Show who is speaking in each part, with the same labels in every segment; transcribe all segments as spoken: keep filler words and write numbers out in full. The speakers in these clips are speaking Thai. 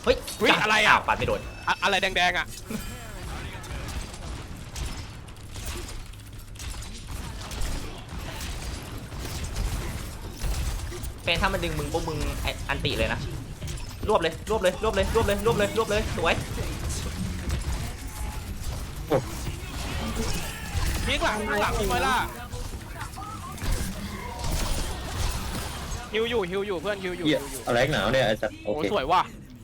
Speaker 1: เฮ้ย
Speaker 2: เฮ้ยอะไรอ่ะ
Speaker 1: ปัดไม่โดน
Speaker 2: อะอะไรแดงๆอ่ะ
Speaker 1: เป็นถ้ามันดึงมึงปุ๊บมึงไอ้อันติเลยนะรวบเลยรวบเลยรวบเลยรวบเลยรวบเลยรวบเลยสวย
Speaker 2: พีกหลังหลังมีไหมล่ะฮิวอยู่ฮิวอยู่เพื่อนฮิวอยู่
Speaker 3: เหี้ย
Speaker 2: ฮิวอยู่
Speaker 3: อะไรหนาวเนี่ยไอ้สัตว์โอ
Speaker 2: โอ้
Speaker 3: เค
Speaker 2: สวยว่ะ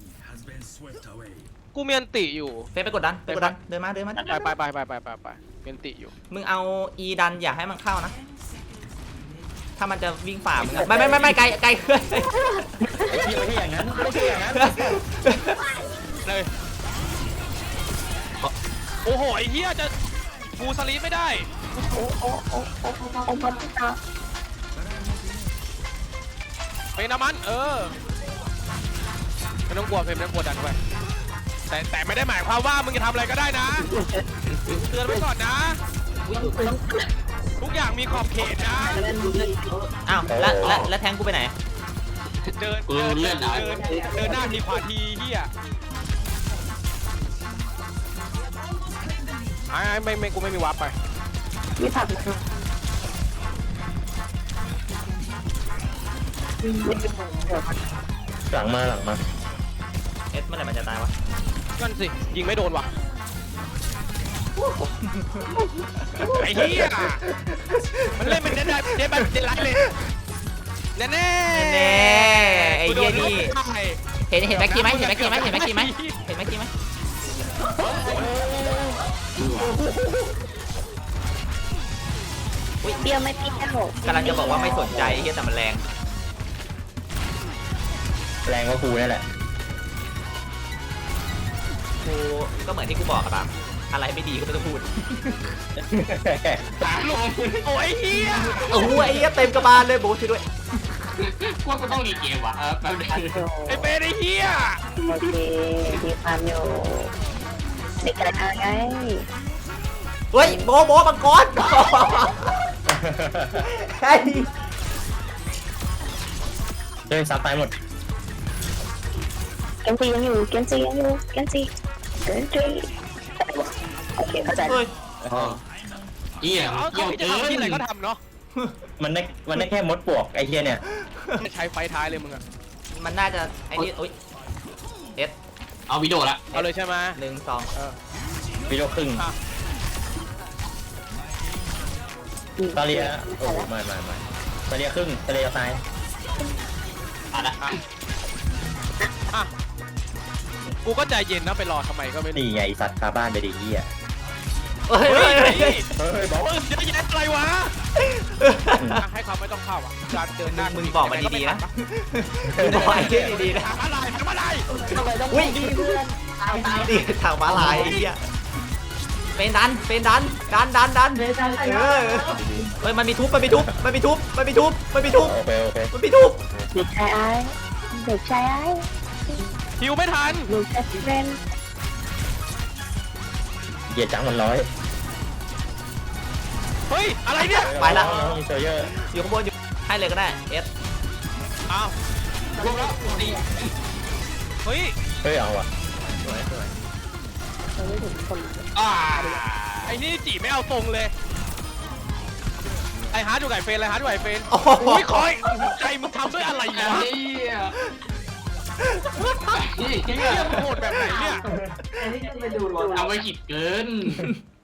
Speaker 2: กูเมียนติอยู่
Speaker 1: เป็นไปกดดันไปกดดันเดินมาเดินมา
Speaker 2: ไปไปไปไปไปไปไปเมียนติอยู่
Speaker 1: มึงเอาอีดันอย่าให้มันเข้านะถ้ามันจะวิ่งฝ่ามึงอะไม่ไม่ไม่ไม่ไกลไกลเกิน
Speaker 3: ไอ้เหี้ยไม่ใช่อย่างนั้นไม่ใช่อย่างนั้น
Speaker 2: เลยโอ้โหไอ้เหี้ยจะกูสลีปไม่ได้
Speaker 4: โอ้โอ้โอ้โอ้โอ้พันตา
Speaker 2: เป็นน้ำมันเออไม่ต้องกลัวเพมไม่ต้องกลัวดันไปแต่แต่ไม่ได้หมายความว่ามึงจะทำอะไรก็ได้นะเตือนไว้ก่อนนะ ทุกอย่างมีขอบเขตนะ
Speaker 1: อ้าวแล้วแล้วแล้วแทงกูไปไหน
Speaker 2: เดินเดินเดินเดินเดินหน้าทีขวาทีเฮียไอ้ไม่ไม่กูไม่มีวาร์ปไป
Speaker 4: วิสัทนะ
Speaker 3: หลังมาหลังมา
Speaker 1: เอสเมื่อไหร่มันจะตายวะ
Speaker 2: นั่นสิยิงไม่โดนว่ะไอ้เฮียมันเล่นเป็นเดนได้เดนแบบเดนไลท์เลยแน่แน่
Speaker 1: แน่ไอ้เหี้ยนี่ เห็นเห็นแม็กกี้ไหมเห็นแม็กกี้ไหมเห็นแม็กกี้ไหมเห็นแม็กกี้ไหมอุ้ย
Speaker 4: เปรี้ยวไม่เปรี้ยว
Speaker 1: กำลังจะบอกว่าไม่สนใจไอ้เหี้ยแต่มันแรง
Speaker 3: แรงกว่ากูนี่แหละ
Speaker 1: กูก็เหมือนที่กูบอกอะปามอะไรไม่ดีก็ไม่ต้องพูด
Speaker 2: ลงโอ้ยเฮีย
Speaker 1: โอ้โหไอ้เหี้ยเต็มกระบาลเลยโบ๊ทช่วยด้วย
Speaker 5: พวกก็ต้องรีเกมว่ะเออแป๊บนึง
Speaker 2: ไอ้เป้ไอ้เฮีย
Speaker 4: โอเคมีความอยู่เด็กกระทาไง
Speaker 1: เฮ้ยโบโบมังกรไอ้
Speaker 3: เฮ้ยซับตายหมด
Speaker 4: เกมซียังอยู่เกมซียังอยู่เกมซีเกมซีโอเคเข้าใจ
Speaker 1: เฮ้ย
Speaker 5: เหี้ย
Speaker 2: เอา
Speaker 5: เกี่
Speaker 2: เขา
Speaker 5: ยว
Speaker 2: จะ
Speaker 5: เกิ
Speaker 2: ทำที่ไหน
Speaker 5: น
Speaker 2: ก็ทำเนาะ
Speaker 3: มันได้มันได้แค่มดปลวกไอ้เหี้ยเนี่ย
Speaker 2: ใช้ไฟท้ายเลยมึงอะ
Speaker 1: มันน่าจะไอ้นี่อุ้ยเอส
Speaker 5: เอาวิดีโอละ
Speaker 2: เอาเลยใช่ไหม
Speaker 1: หนึ่งสอง
Speaker 2: เออ
Speaker 3: วิโรครึ่งตาเลียโอ้ไม่ไม่ไม่ตาเลียครึ่งตาเลียตาย
Speaker 5: อ่ะนะ
Speaker 2: อ่ะกูก็ใจเย็นนะไปรอทำไมก็ไม่รู้
Speaker 3: นี่ไงสัตว์คาบ้านไปดิเหี้ย
Speaker 1: เฮ้ย
Speaker 2: เฮ้
Speaker 1: เฮ้
Speaker 2: ย
Speaker 1: ย
Speaker 2: เฮ้
Speaker 1: เฮ้
Speaker 2: ย
Speaker 1: ย
Speaker 3: เฮ้ยบอก
Speaker 2: เออเยอะแยะอะไรวะอ่ะให้เขาไม่ต้องเข้าอ่ะการเดินหน้า
Speaker 1: มึงบอกมาดีๆนะมึงบอกไอ้เหี้ยดีๆนะ
Speaker 2: ทำอะไรทำอะไร
Speaker 1: อุ้ยดีทางม้าลายไอ้เหี้ยเป็นดันเป็นดันดันดันดันเออเฮ้ยมันมีทุบมันมีทุบมันมีทุบมันมีทุบมันมีทุบ
Speaker 3: โอเคโอเค
Speaker 1: มันมีทุบ
Speaker 4: เด็กชายไอ้เด็กชายไอ้
Speaker 2: หิวไม่ทัน
Speaker 4: ลูกแอสเรน
Speaker 3: เหยียดจังมันร้อย
Speaker 2: เฮ้ยอะไรเนี่ย
Speaker 1: ไปละ
Speaker 3: มีโซเยอร์
Speaker 1: อยู่ข้างบนอยู่ให้เลยก็ได้เอส
Speaker 2: อ้าว
Speaker 5: รวมแล้วดี
Speaker 2: เฮ้ย
Speaker 3: เฮ้ยเอาว่ะ
Speaker 1: สวยสวย
Speaker 4: ไม่ถึงคน
Speaker 5: อ่า
Speaker 2: ไอ้นี่จีไม่เอาตรงเลยไอ้ฮาร์ดอยู่ไก่เฟนไอ้ฮาร์ดอยู่ไก่เฟน
Speaker 1: โอ้โห
Speaker 2: อุ้ยคอยใจมึงทำด้วยอะไร
Speaker 5: ไอ้
Speaker 2: วะ
Speaker 5: เหี้ย
Speaker 2: เฮียมึงโหดแบบไหนเนี่ย
Speaker 5: เอาไปขิดเกิน